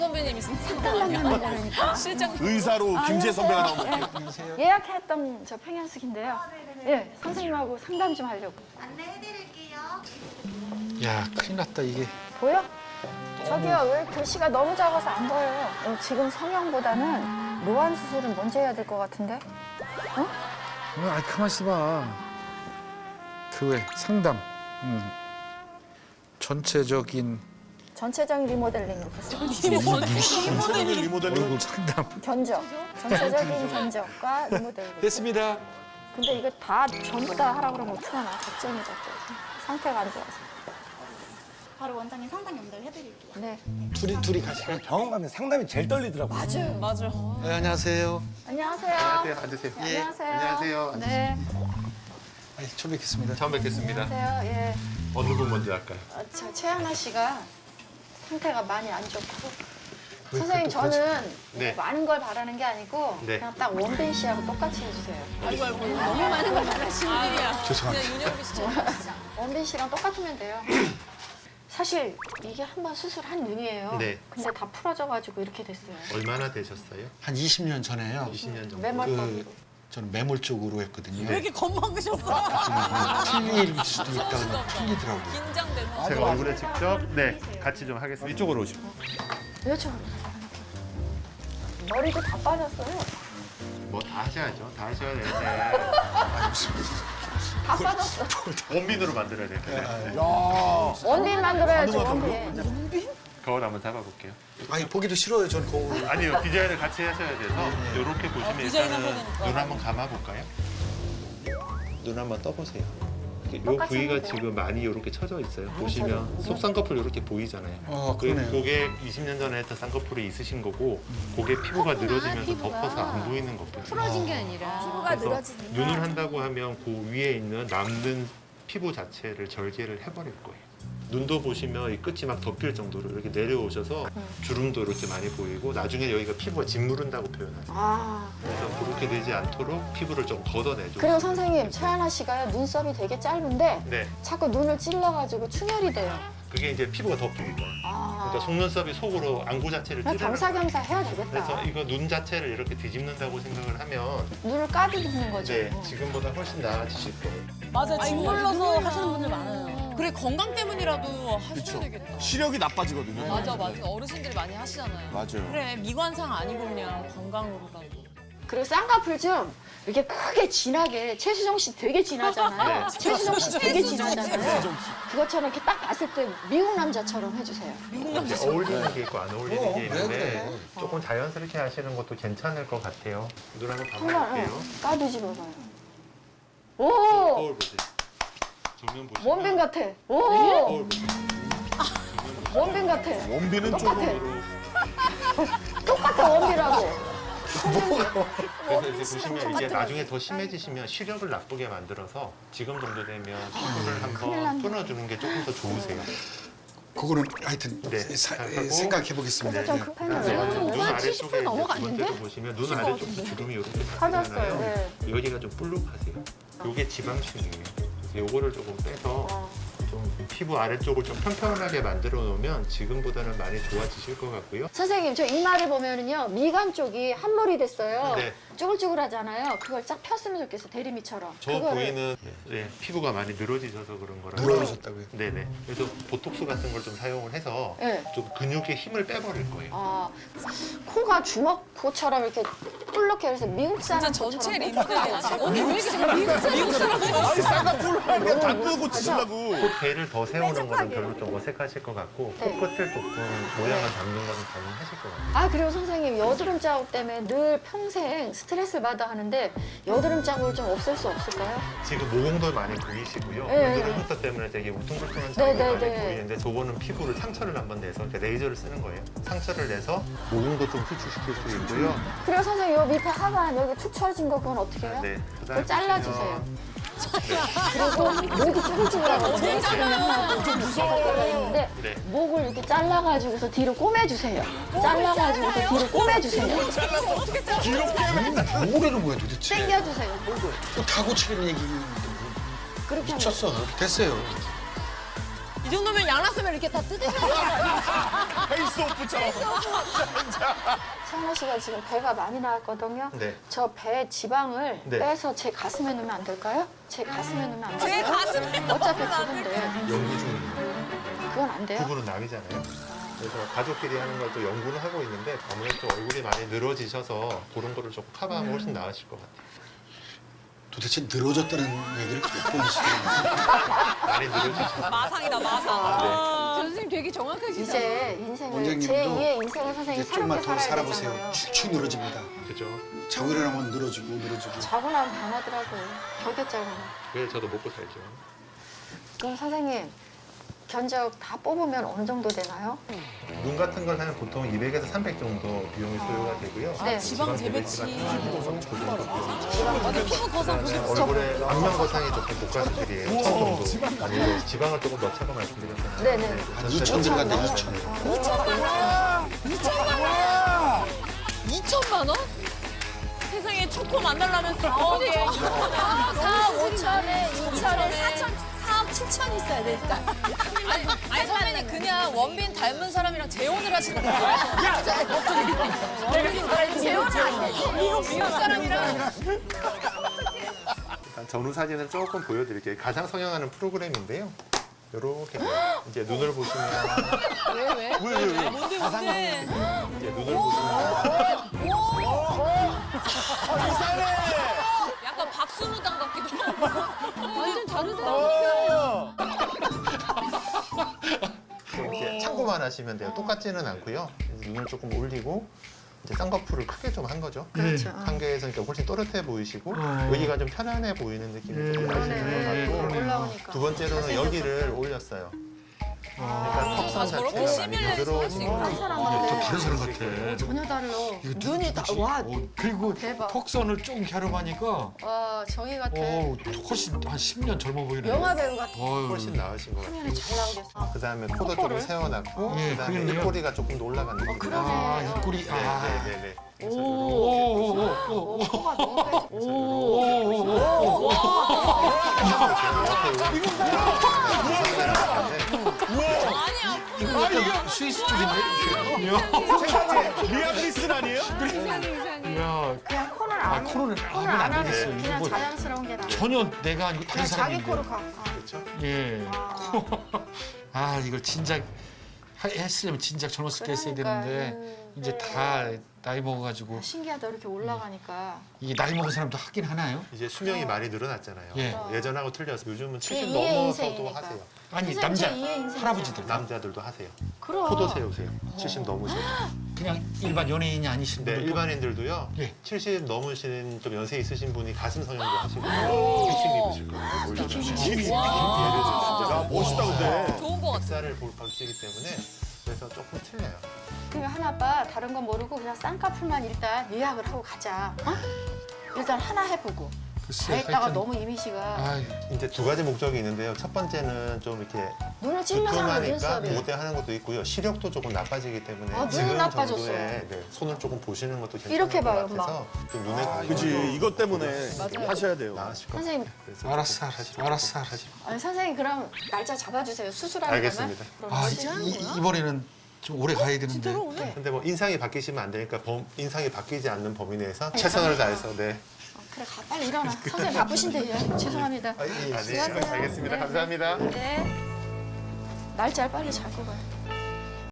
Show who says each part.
Speaker 1: 선배님 있으면 상담 아니야? 실장
Speaker 2: 의사로 김지혜 선배가 나오면
Speaker 3: 예약했던 저 평양숙인데요. 예, 선생님하고 상담 좀 하려고.
Speaker 4: 안내해드릴게요.
Speaker 5: 야, 큰일 났다, 이게.
Speaker 3: 보여? 저기요, 왜 글씨가 너무 작아서 안 보여요? 지금 성형보다는 노안 수술은 먼저 해야 될 것 같은데?
Speaker 5: 아이, 가만 있어봐. 그 외 상담. 전체적인
Speaker 3: 전체적인 리모델링 이렇게 써.
Speaker 2: 전체적인 리모델링
Speaker 5: 얼굴 상담.
Speaker 3: 견적. 전체적인 견적과 리모델링.
Speaker 5: 됐습니다.
Speaker 3: 근데 이거 다 전부 다 하라고 그러면 어떡하나 걱정이 자꾸. 상태가 안 좋아서.
Speaker 4: 바로 원장님 상담 연결해드릴게요.
Speaker 3: 네.
Speaker 5: 둘이 가시죠.
Speaker 2: 병원 가면 상담이 제일 떨리더라고요.
Speaker 1: 맞아.
Speaker 5: 네, 안녕하세요.
Speaker 3: 안녕하세요.
Speaker 6: 앉으세요.
Speaker 5: 예.
Speaker 3: 안녕하세요.
Speaker 6: 안녕하세요.
Speaker 3: 네.
Speaker 5: 아이, 처음 뵙겠습니다.
Speaker 6: 처음 뵙겠습니다.
Speaker 3: 안녕하세요. 예.
Speaker 6: 어느 분 먼저 할까요?
Speaker 3: 저 최하나 씨가 상태가 많이 안 좋고. 선생님 저는
Speaker 6: 네.
Speaker 3: 많은 걸 바라는 게 아니고
Speaker 6: 네.
Speaker 3: 그냥 딱 원빈 씨하고 똑같이 해주세요.
Speaker 1: 아이고 너무 많은 걸 바라시는 일이야.
Speaker 5: 죄송합니다.
Speaker 1: 그냥 윤영비 씨처럼.
Speaker 3: 원빈 씨랑 똑같으면 돼요. 사실 이게 한 번 수술한 눈이에요.
Speaker 6: 네.
Speaker 3: 근데 다 풀어져가지고 이렇게 됐어요.
Speaker 6: 얼마나 되셨어요?
Speaker 5: 한 20년 전에요.
Speaker 6: 20년 정도.
Speaker 3: 매몰
Speaker 5: 저는 매몰 쪽으로 했거든요.
Speaker 1: 왜 이렇게 겁먹으셨어?
Speaker 5: 틀릴 수도 있다가 틀리더라고요.
Speaker 1: 긴장되는.
Speaker 6: 제가 얼굴에 직접 같이 좀 하겠습니다. 이쪽으로 오시고.
Speaker 3: 여쭤. 머리도 다 빠졌어요.
Speaker 6: 뭐 다 하셔야죠. 다 하셔야 되는데
Speaker 3: 다 빠졌어.
Speaker 6: 원빈으로 만들어야 될 텐데.
Speaker 2: 야
Speaker 3: 원빈 만들어야지
Speaker 2: 가능하다고요?
Speaker 3: 원빈.
Speaker 6: 거울 한번 잡아볼게요.
Speaker 5: 아니, 보기도 싫어요, 전 거울.
Speaker 6: 아니요, 디자인을 같이 하셔야 돼서 이렇게 보시면
Speaker 1: 디자인
Speaker 6: 일단은
Speaker 1: 하셔야 되니까.
Speaker 6: 눈 한번 감아볼까요? 눈 한번 떠보세요. 이
Speaker 3: 똑같이
Speaker 6: 부위가
Speaker 3: 하면 돼요.
Speaker 6: 지금 많이 이렇게 쳐져 있어요. 보시면 속 쌍꺼풀 이렇게 보이잖아요.
Speaker 5: 그러네요.
Speaker 6: 그게 20년 전에 했던 쌍꺼풀이 있으신 거고, 그게 피부가 늘어지면서 덮어서 안 보이는 거고요.
Speaker 1: 풀어진 게 아니라. 피부가
Speaker 6: 그래서 눈을 한다고 하면 그 위에 있는 남는 피부 자체를 절개를 해버릴 거예요. 눈도 보시면 이 끝이 막 덮일 정도로 이렇게 내려오셔서 주름도 이렇게 많이 보이고 나중에 여기가 피부가 짓무른다고 표현하세요.
Speaker 3: 아.
Speaker 6: 그래서 그렇게 되지 않도록 피부를 좀 걷어내줘.
Speaker 3: 그리고 선생님 최하나 씨가요 눈썹이 되게 짧은데
Speaker 6: 네,
Speaker 3: 자꾸 눈을 찔러가지고 충혈이 돼요.
Speaker 6: 그게 이제 피부가 덮이는 거예요.
Speaker 3: 아.
Speaker 6: 그러니까 속눈썹이 속으로 안구 자체를
Speaker 3: 그냥
Speaker 6: 찌르는
Speaker 3: 겸사겸사 해야 되겠다.
Speaker 6: 그래서 이거 눈 자체를 이렇게 뒤집는다고 생각을 하면
Speaker 3: 눈을 까디는 거죠.
Speaker 6: 네, 지금보다 훨씬 나아지실 거예요.
Speaker 1: 맞아. 짓물러서 하시는 분들 많아요. 그래 건강 때문이라도 하셔야 되겠다.
Speaker 2: 시력이 나빠지거든요.
Speaker 1: 맞아. 어르신들이 많이 하시잖아요.
Speaker 2: 맞아요.
Speaker 1: 그래 미관상 아니고 그냥 건강으로라도.
Speaker 3: 그리고 쌍꺼풀 좀 이렇게 크게 진하게 최수정 씨 되게 진하잖아요.
Speaker 6: 네.
Speaker 3: 최수정 씨 되게 진하잖아요. 그것처럼 이렇게 딱 봤을 때 미국 남자처럼 해주세요.
Speaker 6: 어울리는 게 있고 안 어울리는 게 있는데
Speaker 5: 그래.
Speaker 6: 조금 자연스럽게 하시는 것도 괜찮을 것 같아요. 눈 한번
Speaker 3: 한번
Speaker 6: 감아볼게요.
Speaker 3: 까뒤집어봐요. 오!
Speaker 6: 거울 보세요. 정면 보시면
Speaker 3: 원빈 같아. 오!
Speaker 6: 거울 보세요.
Speaker 3: 원빈 같아.
Speaker 2: 원빈은
Speaker 3: 똑같아.
Speaker 2: 조금
Speaker 3: 똑같아 원빈하고.
Speaker 6: 그래서 이제 보시면 이게 나중에 더 심해지시면 시력을 나쁘게 만들어서 지금 정도 되면 피부를 한번 끊어주는 게 조금 더 좋으세요.
Speaker 5: 그거는 하여튼
Speaker 6: 네, 하고.
Speaker 5: 생각해 보겠습니다.
Speaker 3: 그래서 좀 급해요.
Speaker 6: 눈
Speaker 1: 오만
Speaker 6: 아래쪽에
Speaker 1: 70% 넘어갔는데?
Speaker 6: 번째로 보시면 눈 아래쪽 주름이 이렇게
Speaker 3: 커졌어요.
Speaker 6: 생기잖아요.
Speaker 3: 네.
Speaker 6: 여기가 좀 볼록하세요. 이게 지방층이에요. 그래서 요거를 조금 빼서 좀 피부 아래쪽을 좀 평평하게 만들어 놓으면 지금보다는 많이 좋아지실 것 같고요.
Speaker 3: 선생님 저 이마를 보면은요 미간 쪽이 한머리 됐어요.
Speaker 6: 네.
Speaker 3: 쭈글쭈글하잖아요. 그걸 쫙 폈으면 좋겠어 대리미처럼.
Speaker 6: 저 부위는 피부가 많이 늘어지셔서 그런 거라서
Speaker 5: 늘어지셨다고요?
Speaker 6: 네네. 그래서 보톡스 같은 걸 좀 사용을 해서
Speaker 3: 네.
Speaker 6: 좀 근육의 힘을 빼버릴 거예요.
Speaker 3: 아 코가 주먹 코처럼 이렇게 뿔룩해 그래서 미국 사람
Speaker 1: 진짜 전체
Speaker 3: 코처럼
Speaker 1: 리모델링. 언니 왜 이렇게 미국 사람
Speaker 2: 아니 쌍꺼풀 하면 다 끄고 치시려고.
Speaker 6: 콧대를 더 세우는 거는 별로 좀 어색하실 것 같고
Speaker 3: 네.
Speaker 6: 코끝을 조금 모양을 잡는 거는 가능하실 것 같아요.
Speaker 3: 아 그리고 선생님 여드름 자국 때문에 늘 평생 스트레스를 받아 하는데 여드름 자국을 좀 없앨 수 없을까요?
Speaker 6: 지금 모공도 많이 보이시고요.
Speaker 3: 네.
Speaker 6: 여드름 흉터 때문에 되게 울퉁불퉁한
Speaker 3: 네,
Speaker 6: 자국이
Speaker 3: 네,
Speaker 6: 많이
Speaker 3: 네.
Speaker 6: 보이는데 저거는 피부를 상처를 한번 내서 이렇게 레이저를 쓰는 거예요. 상처를 내서 모공도 좀 수축시킬 수 있고요.
Speaker 3: 그리고 선생님 요 밑에 하관 여기 축 처진 거 그건 어떻게 해요?
Speaker 6: 네,
Speaker 3: 그걸 잘라주세요.
Speaker 6: 보시면
Speaker 3: 그리고 목이 쭈글쭈글하고
Speaker 1: 어딜 잘라요?
Speaker 3: 좀 무서워했는데
Speaker 6: 네.
Speaker 3: 목을 이렇게 잘라가지고서 뒤로 꼬매주세요. 잘라가지고서 뒤로 꼬매주세요.
Speaker 5: 뭐라는 거야 도대체?
Speaker 3: 당겨주세요 목을.
Speaker 5: 또 다 고치는 얘기
Speaker 3: 그렇게 하면
Speaker 5: 미쳤어. 됐어요.
Speaker 1: 이 정도면 양났으면 이렇게 다 뜯으셔야 돼요.
Speaker 2: 페이스 오프처럼.
Speaker 3: 세훈아 씨가 지금 배가 많이 나왔거든요.
Speaker 6: 네.
Speaker 3: 저 배 지방을
Speaker 6: 네.
Speaker 3: 빼서 제 가슴에 넣으면 안 될까요? 제 가슴에 넣으면 안
Speaker 1: 제
Speaker 3: 될까요?
Speaker 1: 가슴에
Speaker 3: 어차피 부분데
Speaker 6: 연구 중입니다.
Speaker 3: 그건 안 돼요?
Speaker 6: 부부는 남이잖아요. 그래서 가족끼리 하는 걸 또 연구를 하고 있는데 아무래도 얼굴이 많이 늘어지셔서 그런 거를 조금 커버하면 훨씬 나으실 것 같아요.
Speaker 5: 도대체 늘어졌다는 얘기를 몇 번이시나요?
Speaker 6: 많이 늘어지셔서.
Speaker 1: 마상이다, 마상.
Speaker 6: 네.
Speaker 1: 선생님 되게 정확하시죠?
Speaker 3: 이제 인생을
Speaker 5: 원장님도
Speaker 3: 제2의 인생을 선생님이
Speaker 5: 이제 좀만
Speaker 3: 새롭게
Speaker 5: 더
Speaker 3: 살아야
Speaker 5: 살아보세요.
Speaker 3: 되잖아요.
Speaker 5: 축축 늘어집니다.
Speaker 6: 그죠?
Speaker 5: 자고 일어나면 늘어지고 늘어지고.
Speaker 3: 자고 나면 변하더라고요. 격했잖아요.
Speaker 6: 그래서 저도 먹고 살죠.
Speaker 3: 그럼 선생님 견적 다 뽑으면 어느 정도 되나요?
Speaker 6: 눈 같은 걸 하면 보통 200에서 300 정도 비용이 소요가 되고요.
Speaker 3: 네.
Speaker 1: 지방 재배치.
Speaker 3: 지방
Speaker 1: 맞아, 피부 거상 그게
Speaker 6: 얼굴에 안면 거상이 조금 고가 수술이에요. 1000 정도. 아니, 지방을 조금 넣자고 말씀드렸잖아요.
Speaker 3: 네네.
Speaker 5: 한 2천 들어간다 2천.
Speaker 1: 2천만 원? 세상에 초코 만나려면 4억에 4억 5천에 2천에 4천 4억 7천 있어야 되니까. 아니 선배님 그냥 원빈 닮은 사람이랑 재혼을 하시는 거예요? 재혼은 안 되지. 미국 사람이랑.
Speaker 6: 일단 전후 사진을 조금 보여드릴게요. 가상 성형하는 프로그램인데요. 이렇게 이제 눈을 보시면
Speaker 1: 왜? 뭔데?
Speaker 6: 이제 눈을 보시면
Speaker 1: 약간 박순우당 같기도 하고. 완전 다른 사람.
Speaker 6: 이렇게 참고만 하시면 돼요. 똑같지는 않고요. 눈을 조금 올리고 이제 쌍꺼풀을 크게 좀 한 거죠.
Speaker 3: 그렇죠.
Speaker 6: 한 개에서 그러니까 훨씬 또렷해 보이시고 여기가 좀 편안해 보이는 느낌이 좀 나시는 것 같고
Speaker 3: 올라오니까.
Speaker 6: 두 번째로는 여기를 올렸어요. 그러니까 턱선
Speaker 1: 저렇게
Speaker 6: 자체가 많이
Speaker 1: 시뮬레이션 할수
Speaker 6: 부드러워지고
Speaker 1: 있구나.
Speaker 3: 한 사람한테
Speaker 5: 다른 사람 같아.
Speaker 3: 전혀 달라.
Speaker 5: 이거
Speaker 3: 눈이 다 와.
Speaker 7: 그리고
Speaker 3: 대박.
Speaker 7: 턱선을 좀 갸름하니까
Speaker 3: 와 저기 같아.
Speaker 7: 훨씬 한 10년 젊어 보이네.
Speaker 3: 영화 배우 같아.
Speaker 6: 훨씬 나으신 것 같아요.
Speaker 3: 화면에 잘 나오겠어.
Speaker 6: 그다음에 코도 조금 세워놨고
Speaker 7: 예,
Speaker 6: 그다음에
Speaker 7: 그러네요.
Speaker 6: 입꼬리가 조금 더 올라간 느낌.
Speaker 3: 그러네.
Speaker 7: 아, 입꼬리. 아.
Speaker 6: 네네네.
Speaker 7: 오오오오오.
Speaker 3: 코가 너무 빼.
Speaker 1: 아니야.
Speaker 7: 스위스 쪽인데.
Speaker 2: 리아그리슨 아니에요?
Speaker 7: 야,
Speaker 3: 그냥 코는 안 해.
Speaker 7: 코는
Speaker 3: 코는
Speaker 7: 하면
Speaker 3: 안
Speaker 7: 안
Speaker 3: 하네.
Speaker 7: 되겠어요.
Speaker 3: 그냥
Speaker 7: 이거
Speaker 3: 자연스러운 게 나.
Speaker 7: 전혀 내가 아니고
Speaker 3: 그냥
Speaker 7: 다른
Speaker 3: 자기
Speaker 7: 사람인데.
Speaker 3: 코로 가.
Speaker 6: 그렇죠.
Speaker 7: 예. 아, 이걸 진작 했으면 진작 젊었을 때 했어야 되는데 이제 다 나이 먹어가지고
Speaker 3: 신기하다 이렇게 올라가니까.
Speaker 7: 이게 나이 먹은 사람도 하긴 하나요?
Speaker 6: 이제 수명이 많이 늘어났잖아요.
Speaker 7: 예.
Speaker 6: 예전하고 틀려서 요즘은 70
Speaker 3: 제2의
Speaker 6: 넘어서도
Speaker 3: 인생이니까.
Speaker 6: 하세요.
Speaker 7: 아니
Speaker 3: 선생님,
Speaker 7: 남자
Speaker 3: 제 2의 인생이죠.
Speaker 7: 할아버지들
Speaker 6: 남자들도 하세요.
Speaker 3: 그럼.
Speaker 6: 코도 세우세요. 70 넘으셔도.
Speaker 7: 그냥 일반 연예인이 아니신
Speaker 6: 네,
Speaker 7: 분들도
Speaker 6: 일반인들도요.
Speaker 7: 예.
Speaker 6: 70 넘으신 좀 연세 있으신 분이 가슴 성형도 하시고 피칭 입으실 거예요. 올려서.
Speaker 2: 야, 멋있다, 근데.
Speaker 1: 좋은 거 같아.
Speaker 6: 뱃살을 보시기 때문에 그래서 조금 틀려요.
Speaker 3: 그러면 하나봐 다른 건 모르고 그냥 쌍꺼풀만 일단 예약을 하고 가자. 어? 일단 하나 해보고. 다
Speaker 7: 글쎄,
Speaker 3: 했다가
Speaker 7: 하여튼,
Speaker 3: 너무 이미지가
Speaker 7: 아,
Speaker 6: 이제 두 가지 목적이 있는데요. 첫 번째는 좀 이렇게
Speaker 3: 눈을 찔러서 하는
Speaker 6: 두툼하니까
Speaker 3: 눈썹이.
Speaker 6: 그것 때문에 하는 것도 있고요. 시력도 조금 나빠지기 때문에
Speaker 3: 아, 눈이
Speaker 6: 지금
Speaker 3: 나빠졌어요.
Speaker 6: 정도에 손을 조금 보시는 것도 괜찮을
Speaker 3: 이렇게
Speaker 6: 것
Speaker 3: 봐요,
Speaker 6: 같아서 좀 눈에 가요.
Speaker 2: 그지, 이것 때문에 하셔야 돼요.
Speaker 6: 나으실 것
Speaker 3: 선생님,
Speaker 6: 같아요. 그래서
Speaker 7: 알았어,
Speaker 6: 조금
Speaker 7: 알았어,
Speaker 6: 하시고
Speaker 7: 알았어,
Speaker 6: 조금
Speaker 7: 알았어.
Speaker 6: 하시고.
Speaker 3: 아니, 선생님 그럼 날짜 잡아주세요. 수술하는
Speaker 6: 알겠습니다.
Speaker 3: 거면.
Speaker 7: 아,
Speaker 3: 언제 하는 거야?
Speaker 7: 이번에는 좀 오래 가야 되는데.
Speaker 1: 진짜로 오늘?
Speaker 6: 근데 뭐 인상이 바뀌시면 안 되니까 인상이 바뀌지 않는 범위 내에서 최선을 다해서 네.
Speaker 3: 그래 가 빨리 일어나. 선생님 바쁘신데 예. 죄송합니다.
Speaker 6: 아, 네.
Speaker 3: 수고하세요.
Speaker 6: 알겠습니다.
Speaker 3: 네.
Speaker 6: 감사합니다.
Speaker 3: 네. 날짜를 빨리 잡고 가요.